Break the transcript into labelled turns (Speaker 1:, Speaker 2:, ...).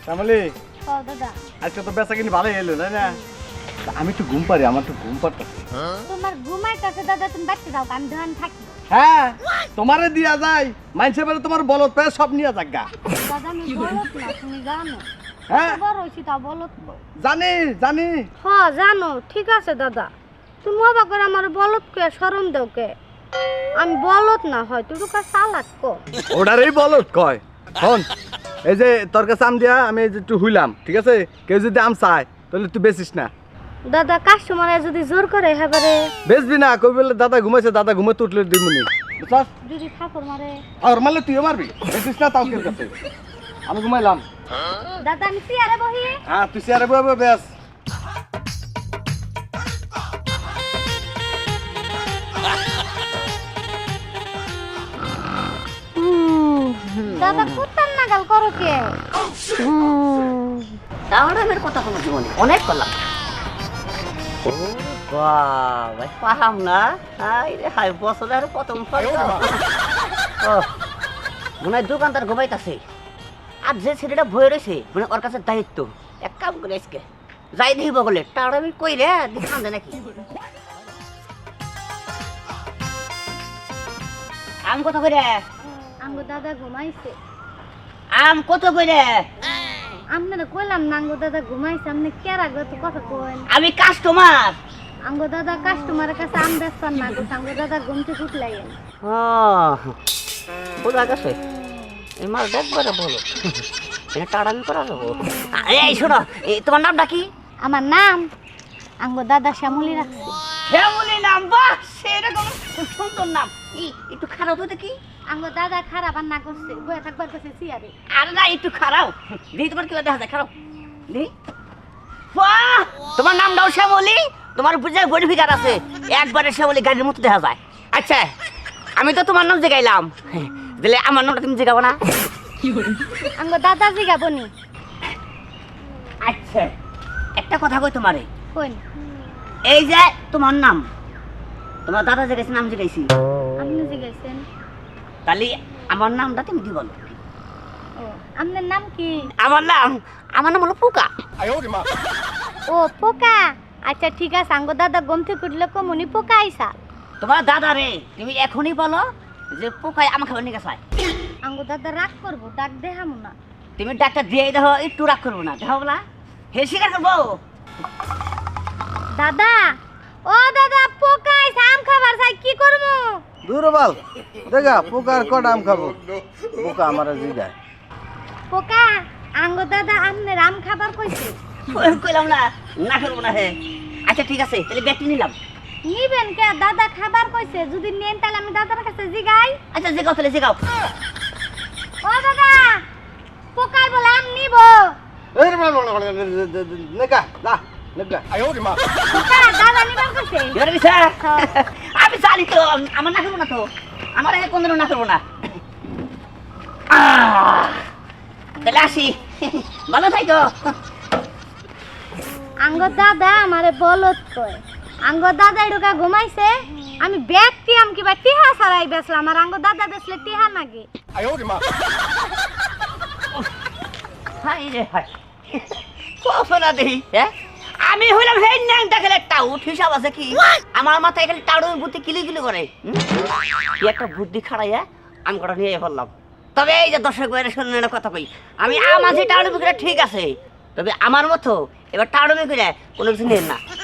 Speaker 1: শ্যামলী
Speaker 2: দাদা
Speaker 1: আজকে তো বেচা কিনি ভালোই এলো তাই না? আমি তো ঘুম পারি, আমার তো ঘুম পারতেছে।
Speaker 2: তোমার ঘুমাইতেছে দাদা, তুমি বাড়তে যাও, আমি দোকান থাকি।
Speaker 1: হ্যাঁ তোমারে দিয়া যায়, মাইনসে বেরে তোমার বলত পেয়ে সব নিয়ে যাক গা।
Speaker 2: দাদা আমি বলত না, তুমি জানো।
Speaker 1: হ্যাঁ
Speaker 2: বড় হইছি তা বলত।
Speaker 1: জানি জানি।
Speaker 2: হ্যাঁ জানো, ঠিক আছে দাদা। তুমি অবাক করে আমার বলত কে শরম দাও কে? আমি বলত না, হয় তুই তো চালাক কো।
Speaker 1: ওটারই বলত কয়। শোন, এই যে তোর কাছে আম দিয়া আমি এই যে একটু হুইলাম, ঠিক আছে? কেউ যদি আম চায় তাহলে তুই বেচিস না।
Speaker 2: দাদা কাস্টমার যদি জোর করে হেবারে
Speaker 1: বেচবি না, কই বলে দাদা ঘুমাইছে, দাদা ঘুমাতে উঠলে দিমুনি, বুঝছস?
Speaker 2: যদি ঠাকুর মারে
Speaker 1: আর মারলে তুইও মারবি, বেচিস না তাও কেউ কাছে। আমি ঘুমাইলাম।
Speaker 2: দাদা আমি চেয়ারে বহি।
Speaker 1: হ্যাঁ তুই চেয়ারে বসে বেচ।
Speaker 2: দাদা কুত্তার নাগাল করো কে?
Speaker 3: তাহলে আমার কথা কোনো জীবনে অনেক করলাম। ও বাবা পাহাম না, হাই রে হাই, বছরের প্রথম মনে হয় দোকানদার ঘুমাইতেছে। আর যে ছেলেটা ভয়ে রয়েছে মানে ওর কাছে দায়িত্ব, এক কাম করে আজকে যাই দেখি বগলে টাড়ামি কই রে দেখান দে নাকি। আম কত করে?
Speaker 2: আঙ্গো দাদা ঘুমাইছে।
Speaker 3: আম কত করে?
Speaker 2: আপনারা কইলাম না আঙ্গো দাদা ঘুমাইছে, আপনি কে রাখবে তো কথা কইন।
Speaker 3: আমি কাস্টমার।
Speaker 2: আঙ্গো দাদা কাস্টমারের কাছে আম বেচতাম না গো, আঙ্গো দাদা ঘুমতে ফুটলাইন।
Speaker 3: বোঝা গেছে এই মাল দেখবারে বলো এটা টাড়ামি করা যাবো। এই শোনো, তোমার নামটা কি?
Speaker 2: আমার নাম আঙ্গো দাদা শ্যামলী রাখছে।
Speaker 3: শ্যামলী নাম? বাহ, সেরকম খুব সুন্দর নাম। একটু খারাপ হতে কি?
Speaker 2: আঙ্গো দাদা খারাপ আর না করছে, বয়ে থাকবার কাছে চেয়ারে।
Speaker 3: আরে না, একটু খারাপ দিই। তোমার কি দেখা যায় খারাপ দিই? বাহ, তোমার নামটাও শ্যামলী, তোমার বুঝে বডিফিকার আছে, একবারে শ্যামলী গাড়ির মতো দেখা যায়। আচ্ছা আমি তো তোমার নাম জিগাইলাম, দিলে আমার নামটা তুমি জিগাবো না?
Speaker 2: আঙ্গো দাদা জিগাবনি।
Speaker 3: আচ্ছা একটা কথা কই তোমারে,
Speaker 2: কইন।
Speaker 3: এই যে তোমার নাম, তোমার দাদা জিগাইছে নাম জিগাইছি,
Speaker 2: আপনি জিগাইছেন?
Speaker 3: তাহলে আমার নামটা তুমি কি বলো?
Speaker 2: ও আপনার নাম কি?
Speaker 3: আমার নাম হলো পোকা।
Speaker 2: ও পোকা, আচ্ছা ঠিক আছে। আঙ্গো দাদা ঘুম থেকে উঠলে কমনি পোকা আইসা।
Speaker 3: তোমার দাদা রে তুমি এখনই বলো যে পোকায় আমার খাবার নিয়ে গেছে।
Speaker 2: আঙ্গো দাদা রাগ করবো, ডাক দেখামো না।
Speaker 3: তুমি ডাক্তার দিয়ে দেখো, একটু রাগ করবো না, দেখো বলা হে স্বীকার করবো।
Speaker 2: দাদা, ও দাদা পোকা আইসা, আম খাবার চাই, কি করবো?
Speaker 1: দূর বাল দেখা পোকার কট আম খাবো, পোকা আমার জিগায়।
Speaker 2: পোকা, আঙ্গো দাদা আপনার আম খাবার কইছে।
Speaker 3: কইলাম না না করবো না। হে আচ্ছা ঠিক আছে, তাহলে ব্যাগটি নিলাম।
Speaker 2: নিবেন কে? দাদা খাবার কইছে, যদি নেন তাহলে আমি দাদার কাছে জিগাই।
Speaker 3: আচ্ছা জিগাও, তাহলে জিগাও।
Speaker 2: ও দাদা, পোকাই বলে আম নিব।
Speaker 1: নেকা না নেকা।
Speaker 2: পোকা দাদা নিবার কইছে।
Speaker 3: এবার বিষয় আমি জানি তো, আমার না করবো না তো, আমার কোন দিনও না করবো না। তাহলে আসি, ভালো থাকো।
Speaker 2: আঙ্গো দাদা আমারে বলত কয়। আঙ্গো দাদা ঢোকা ঘুমাইছে, আমি ব্যক্তি আম কিবা টিহা ছাড়াই বেচলাম, আর আঙ্গো দাদা বেচলে টিহা নাগে।
Speaker 3: হাই রে হাই, কফলা দেহি। হ্যাঁ আমি হইলাম হে ন্যাংটা খেলে টাউট হিসাব আছে কি? আমার মাথায় খালি টাউটের বুদ্ধি কিলি কিলি করে। কি একটা বুদ্ধি খাড়াইয়া আমি কটা নিয়ে ফেললাম। তবে এই যে দর্শক ভাইয়ের শুনে একটা কথা কই, আমি আমাঝে টাউটের বুকিটা ঠিক আছে, তবে আমার মতো এবার টাউটের বুকিটা কোনো কিছু নেন না।